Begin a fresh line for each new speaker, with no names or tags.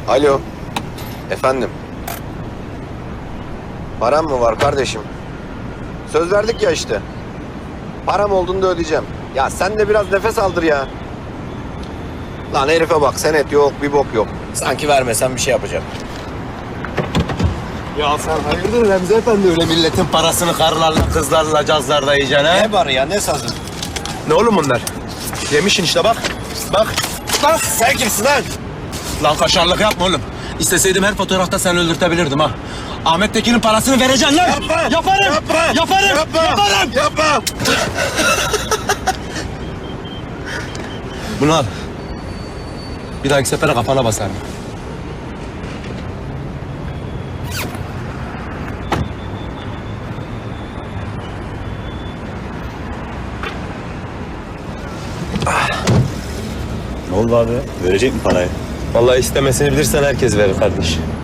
Alo. Efendim. Param mı var kardeşim? Söz verdik ya işte. Param olduğunda ödeyeceğim. Ya sen de biraz nefes aldır ya. Lan herife bak, senet yok, bir bok yok. Sanki vermesen bir şey yapacak.
Ya sen hayırdır Remzi Efendi, öyle milletin parasını karılarla, kızlarla, cazlarla yiyeceksin ha?
Ne var ya, ne sazı?
Ne oğlum bunlar? Yemişsin işte bak. Bak.
Lan sen kimsin lan?
Lan kaşarlık yapma oğlum. İsteseydim her fotoğrafta seni öldürtebilirdim ha. Ahmet Tekin'in parasını vereceksin lan.
Yapma.
Yaparım.
Yapma.
Yaparım.
Yapma.
Yaparım.
Yapma.
Bunu al. Bir dahaki sefere kafana basarım.
Ne oldu abi? Verecek mi parayı?
Vallahi istemesini bilirsen herkes verir kardeş.